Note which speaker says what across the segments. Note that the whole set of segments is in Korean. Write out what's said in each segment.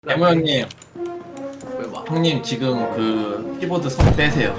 Speaker 1: 대모 형님,
Speaker 2: 왜 봐?
Speaker 1: 형님 지금 그 키보드 선 떼세요.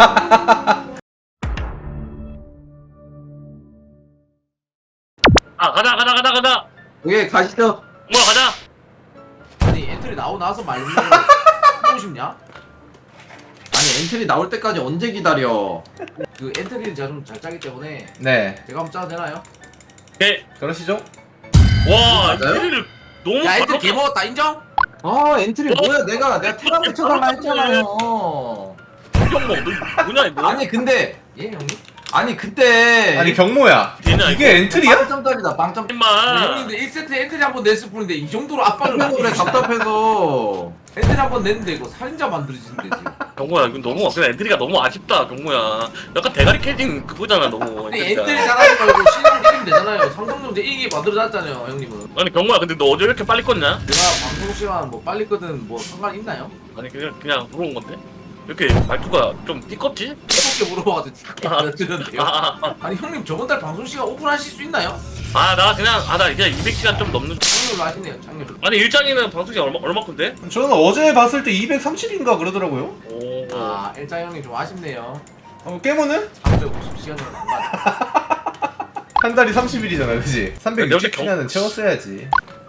Speaker 3: 아 가자
Speaker 1: 오케이 가시죠.
Speaker 3: 뭐야 가자.
Speaker 2: 아니 엔트리 나오고 나서 말고 하고 싶냐?
Speaker 1: 아니 엔트리 나올 때까지 언제 기다려?
Speaker 2: 그 엔트리를 제가 좀 잘 짜기 때문에
Speaker 4: 네,
Speaker 2: 제가 한번 짜도 되나요?
Speaker 3: 오케이.
Speaker 4: 그러시죠?
Speaker 3: 와
Speaker 1: 맞아요?
Speaker 3: 엔트리를 너무
Speaker 2: 야 엔트리
Speaker 3: 바로-
Speaker 2: 개먹었다 인정?
Speaker 1: 아 엔트리 뭐야? 내가 테란 붙여달라 했잖아요.
Speaker 3: 이경모 너 뭐냐 이거?
Speaker 1: 아니 근데
Speaker 2: 예 형님?
Speaker 1: 아니 그때
Speaker 4: 아니 경모야,
Speaker 3: 되냐,
Speaker 4: 이게 엔트리야?
Speaker 1: 빵점짜리다 빵점.
Speaker 2: 네,
Speaker 3: 임마.
Speaker 2: 형님들 1세트 엔트리 한번 냈을 뿐인데 이 정도로 압박을
Speaker 1: 그래
Speaker 2: 받고 계시나?
Speaker 1: 답답해서.
Speaker 2: 엔트리 한번 냈는데 이거 살인자 만들어지는데 지금.
Speaker 3: 경모야 이거 너무 그냥 엔트리가 너무 아쉽다 경모야. 약간 대가리 캐진 그거잖아 너무.
Speaker 2: 아니
Speaker 3: 엔트리가.
Speaker 2: 엔트리 잘하지 말고 신형 이기면 되잖아요. 삼성전자 이기게 만들어놨잖아요 형님은.
Speaker 3: 아니 경모야 근데 너 어제 왜 이렇게 빨리 껐냐?
Speaker 2: 내가 방송 시간 뭐 빨리 끄든 뭐 상관 있나요?
Speaker 3: 아니 그냥 물어본 건데. 이렇게 말투가 좀 띠껍지?
Speaker 2: 이렇게 물어봐가지고 안 들었는데요. 아니 형님 저번 달 방송 시간 오픈하실 수 있나요?
Speaker 3: 나 그냥 나 이제 200시간 좀 넘는.
Speaker 2: 장렬로 하시네요 장렬로.
Speaker 3: 아니 일장이는 방송 시간 얼마인데?
Speaker 4: 저는 어제 봤을 때 230인가 그러더라고요.
Speaker 3: 오.
Speaker 2: 아 일장 형님 좀 아쉽네요.
Speaker 4: 깨모는
Speaker 2: 350시간이면 안 맞아.
Speaker 4: 한 달이 30일이잖아, 그지?
Speaker 3: 역시
Speaker 4: 360시간은 채웠어야지.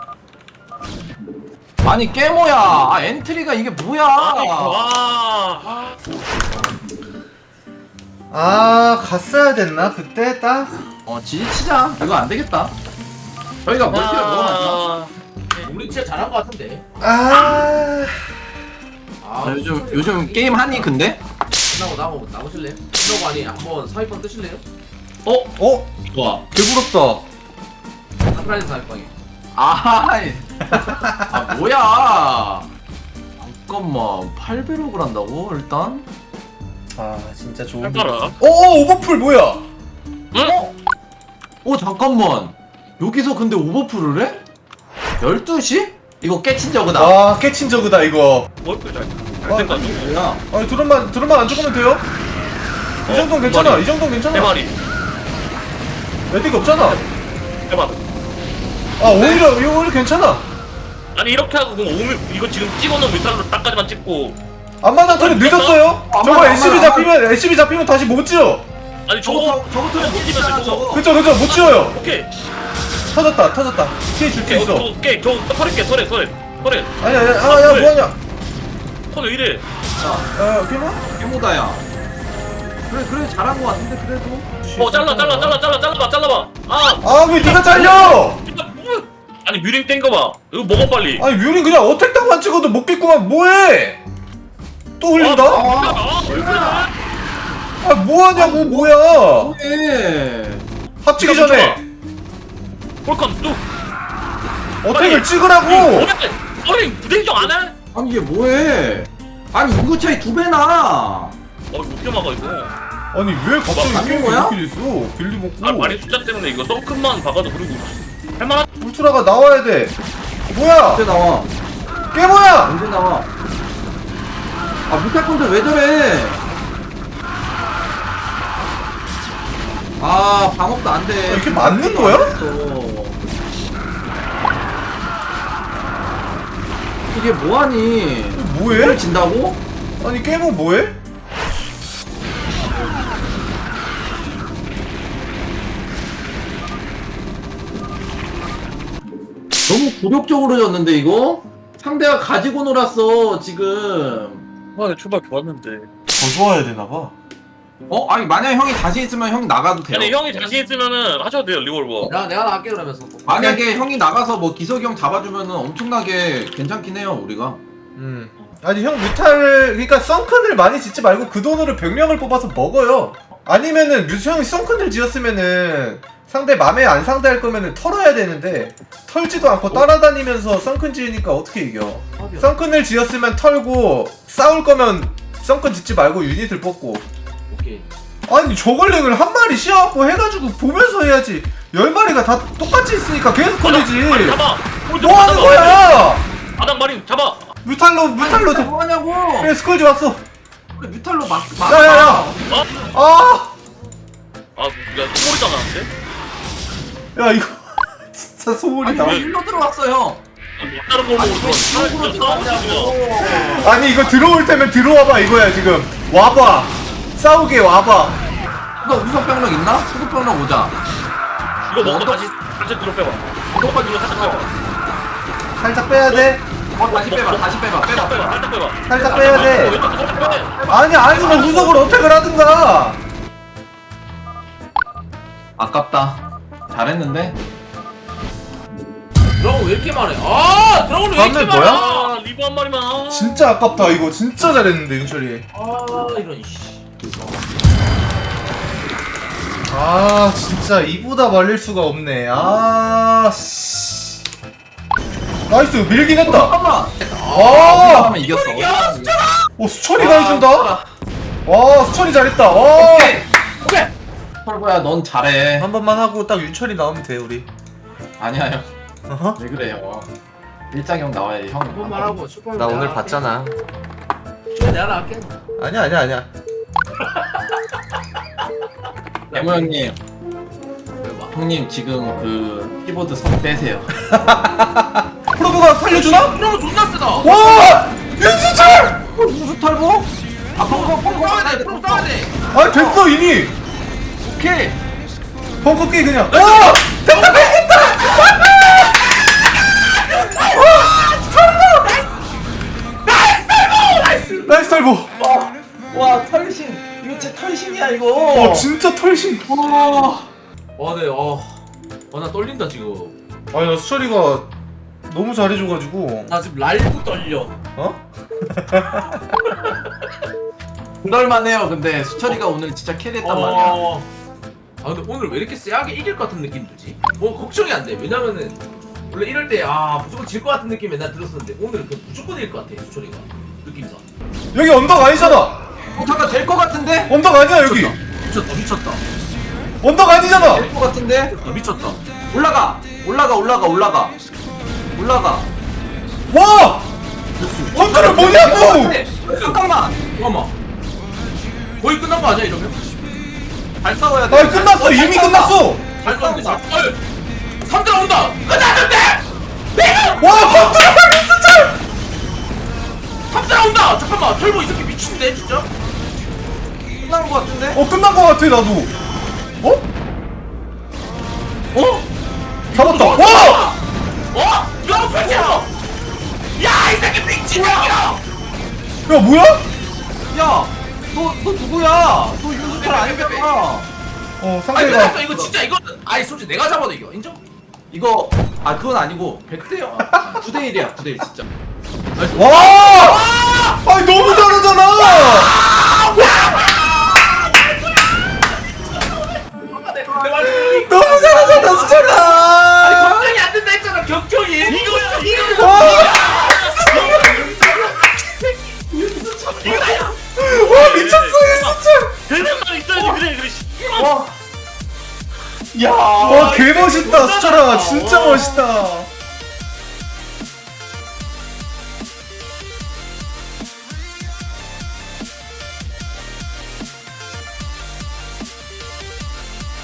Speaker 1: 아니 깨모야. 아 엔트리가 이게 뭐야?
Speaker 3: 와.
Speaker 4: 갔어야 됐나 그때 딱?
Speaker 1: 지지치자. 이거 안 되겠다. 저희가 멀티가 너무 많다.
Speaker 2: 우리 진짜 잘한 것 같은데.
Speaker 4: 아,
Speaker 2: 아
Speaker 1: 요즘 게임 하니 근데?
Speaker 2: 끝나고 나오실래요? 끝나고 아니 한번 사위방 뜨실래요?
Speaker 1: 좋아.
Speaker 4: 개부럽다.
Speaker 2: 한프라이즈 사위방에.
Speaker 1: 뭐야? 잠깐만 8배럭을 한다고 일단?
Speaker 4: 진짜 좋은.
Speaker 3: 할까라.
Speaker 4: 오버풀 뭐야?
Speaker 1: 잠깐만 여기서 근데 오버풀을 해? 12시? 이거 깨친 저거다.
Speaker 4: 깨친 저그다 이거.
Speaker 3: 뭘 그래? 잘생각.
Speaker 1: 뭐야?
Speaker 4: 아니 드럼만 안 죽으면 돼요? 이 정도는 괜찮아.
Speaker 3: 머리.
Speaker 4: 이 정도는 괜찮아.
Speaker 3: 세 마리.
Speaker 4: 레딩 없잖아.
Speaker 3: 해봐.
Speaker 4: 오히려 괜찮아.
Speaker 3: 아니 이렇게 하고 그럼 이거 지금 찍어놓은 메탈로 딱까지만 찍고.
Speaker 4: 앞마당 턴이 늦었어요. 저거
Speaker 1: 앞마당,
Speaker 4: SCB 잡히면 다시 못 지어.
Speaker 3: 아니 저거
Speaker 1: 저거는 못 지잖아 저거.
Speaker 4: 그쵸 못 지어요.
Speaker 3: 오케이.
Speaker 4: 터졌다. 피해 줄 수 있어.
Speaker 3: 오케이 저거 털을게 털에.
Speaker 4: 아니야 뭐하냐?
Speaker 3: 털왜 이래?
Speaker 4: 깨모?
Speaker 1: 깨모다야. 그래 잘한 거 같은데 그래도.
Speaker 3: 잘라봐.
Speaker 4: 왜 니가 잘려?
Speaker 3: 진짜 뭐? 아니 뮤링 땡겨봐. 이거 먹어 빨리.
Speaker 4: 아니 뮤린 그냥 어택 당만 찍어도 먹겠구만. 뭐해? 또 흘린다?
Speaker 3: 왜 그래?
Speaker 4: 뭐하냐고 뭐야?
Speaker 1: 왜?
Speaker 4: 합치기 전에
Speaker 3: 볼컨 뚝.
Speaker 4: 어택을 찍으라고.
Speaker 3: 어린 부대인정 안 해?
Speaker 1: 아니 이게 뭐해? 아니 인구 차이 2배나.
Speaker 3: 이거 어떻게 막아 이거?
Speaker 4: 아니 왜 갑자기
Speaker 1: 뭐,
Speaker 4: 게임이
Speaker 1: 거야?
Speaker 4: 이렇게 됐어? 빌리 먹고
Speaker 3: 마린 숫자 때문에 이거 썬큰만 박아도 그리고 할만한.
Speaker 4: 울트라가 나와야 돼. 뭐야?
Speaker 1: 언제 나와?
Speaker 4: 깨모야!
Speaker 1: 언제 나와? 무탈콘들 왜 저래? 방업도 안 돼.
Speaker 4: 이게 맞는 거야?
Speaker 1: 이게 뭐하니?
Speaker 4: 뭐해?
Speaker 1: 이걸 진다고?
Speaker 4: 아니 깨모 뭐해?
Speaker 1: 너무 굴욕적으로 졌는데 이거? 상대가 가지고 놀았어 지금.
Speaker 3: 내 출발 좋았는데.
Speaker 4: 더 좋아야 되나봐.
Speaker 1: 아니 만약 형이 다시 있으면 형 나가도 돼요.
Speaker 3: 아니 형이 자신 있으면은 하셔도 돼요 리볼버.
Speaker 2: 내가 나갈게 그러면서.
Speaker 1: 만약에 형이 나가서 뭐 기석이 형 잡아주면은 엄청나게 괜찮긴 해요 우리가.
Speaker 4: 아니 형 뮤탈 그러니까 썬큰을 많이 짓지 말고 그 돈으로 병력을 뽑아서 먹어요. 아니면은 형이 썬큰을 지었으면은 상대 맘에 안 상대할 거면은 털어야 되는데 털지도 않고 따라다니면서 썬큰 지으니까 어떻게 이겨? 썬큰을 지었으면 털고 싸울 거면 썬큰 짓지 말고 유닛을 뽑고.
Speaker 2: 오케이.
Speaker 4: 아니 저걸링을 한 마리 씌워갖고 해가지고 보면서 해야지. 10마리가 다 똑같이 있으니까 계속 걸리지.
Speaker 3: 마린 잡아.
Speaker 4: 뭐 하는 거야?
Speaker 3: 바닥 마린 잡아.
Speaker 4: 뮤탈로
Speaker 1: 뭐 하냐고?
Speaker 4: 그래 스컬지 왔어.
Speaker 1: 뮤탈로 막.
Speaker 4: 야야야. 아.
Speaker 3: 야 소리가 나는데?
Speaker 4: 야 이거 진짜 소울이다.
Speaker 3: 왜?
Speaker 1: 일로 들어왔어 형.
Speaker 3: 다른 걸 보고 들어와.
Speaker 4: 아니 이거 들어올 테면 들어와봐 이거야 지금. 와봐. 싸우게 와봐.
Speaker 1: 이거 우석병력 있나? 수석병력 오자.
Speaker 3: 이거 먹고 다시 뒤로 빼봐. 이거까지 뒤로 살짝 빼봐.
Speaker 4: 살짝 빼야 돼.
Speaker 1: 다시 빼봐. 다시 빼봐. 빼봐. 빼봐.
Speaker 3: 살짝 빼봐.
Speaker 4: 살짝 빼야 돼.
Speaker 3: 살짝 빼.
Speaker 4: 아니 아니면 후속을 어택을 하든가.
Speaker 1: 아깝다. 잘했는데.
Speaker 2: 드라곤 왜 이렇게 많아? 아 드라곤 왜 이렇게
Speaker 4: 다음에
Speaker 2: 많아?
Speaker 4: 뭐야?
Speaker 3: 아, 리브 한 마리만.
Speaker 4: 진짜 아깝다 이거. 진짜 잘했는데 윤철이.
Speaker 2: 아 이런 씨.
Speaker 4: 아 진짜 이보다 말릴 수가 없네. 아 씨. 나이스 밀긴 했다.
Speaker 1: 잠깐만.
Speaker 4: 아.
Speaker 1: 하면 이겼어.
Speaker 2: 야 수철아!
Speaker 4: 오 수철이가 해준다. 와 수철이 잘했다. 와.
Speaker 1: 오케이.
Speaker 2: 오케이.
Speaker 1: 털보야, 넌 잘해.
Speaker 4: 한 번만 하고 딱 윤철이 나오면 돼 우리.
Speaker 1: 아니야 형.
Speaker 4: 어허?
Speaker 1: 왜 그래요? 일장형 나와야 형.
Speaker 2: 한 번만 하고 슈퍼.
Speaker 4: 나 오늘 봤잖아.
Speaker 2: 내가 나갈게.
Speaker 4: 아니야.
Speaker 1: 대모 형님.
Speaker 2: 왜 봐?
Speaker 1: 형님 지금 그 키보드 선 떼세요.
Speaker 4: 프로브가 살려주나?
Speaker 2: 드라곤 존나 세다.
Speaker 4: 와 윤수철.
Speaker 1: 무슨 털보? 아
Speaker 2: 프로 싸워야 돼. 프로 싸워야 돼.
Speaker 4: 아 됐어 이미.
Speaker 1: 오케이.
Speaker 4: 벙커 깨 그냥. 와 됐다 뺏겼다. 나이스 털보.
Speaker 1: 와 털신. 이거 진짜 털신이야 이거.
Speaker 4: 어 진짜 털신.
Speaker 1: 와.
Speaker 2: 네. 나 떨린다 지금.
Speaker 4: 아니 나 수철이가 너무 잘해줘가지고.
Speaker 2: 나 지금 라이브 떨려.
Speaker 4: 어?
Speaker 1: 그럴만해요. 근데 수철이가 오늘 진짜 캐리했단 말이야.
Speaker 2: 아 근데 오늘 왜 이렇게 쎄하게 이길 것 같은 느낌 들지? 뭐 걱정이 안 돼. 왜냐면은 원래 이럴 때 무조건 질 것 같은 느낌 맨날 들었었는데 오늘 그 무조건 이길 것 같아 수철이가 느낌상.
Speaker 4: 여기 언덕 아니잖아.
Speaker 1: 잠깐 될 것 같은데?
Speaker 4: 언덕 아니야 여기.
Speaker 2: 미쳤다.
Speaker 4: 언덕 아니잖아.
Speaker 1: 될 것 같은데?
Speaker 2: 미쳤다.
Speaker 1: 올라가.
Speaker 4: 와. 컨트롤 뭐냐고.
Speaker 1: 잠깐만.
Speaker 2: 잠깐만. 거의 끝난 거 아니야 이러면?
Speaker 1: 잘 싸워야 돼.
Speaker 4: 아 끝났어 이미 끝났어.
Speaker 2: 잘 싸운데 잘. 3대 온다. 끝났는데.
Speaker 4: 와 컨트롤 수철.
Speaker 2: 3대 온다. 잠깐만. 털보 이 새끼 미친데 진짜.
Speaker 1: 끝난 것 같은데?
Speaker 4: 끝난 거 같아 나도. 어? 잡았다. 와.
Speaker 2: 이거 펼쳐. 야이 새끼 미친 새끼야.
Speaker 4: 야 뭐야?
Speaker 1: 야, 너 누구야? 너 윤수철 아니잖아.
Speaker 4: 어
Speaker 2: 아니
Speaker 4: 상대가.
Speaker 2: 끝났어. 이거 진짜 이거는 아니 솔직히 내가 잡아도 이겨. 인정?
Speaker 1: 이거 그건 아니고 100대 9대1이야. 9대1 진짜.
Speaker 4: 와. 아니 너무 잘하잖아. 너무 잘하잖아 수철아.
Speaker 2: 걱정이 안 된다 했잖아. 격정이. 이거야.
Speaker 4: 와 미쳤어 윤수철.
Speaker 3: 되는 말 있어야지 그래.
Speaker 1: 야,
Speaker 4: 와 개멋있다 수철아 진짜 멋있다.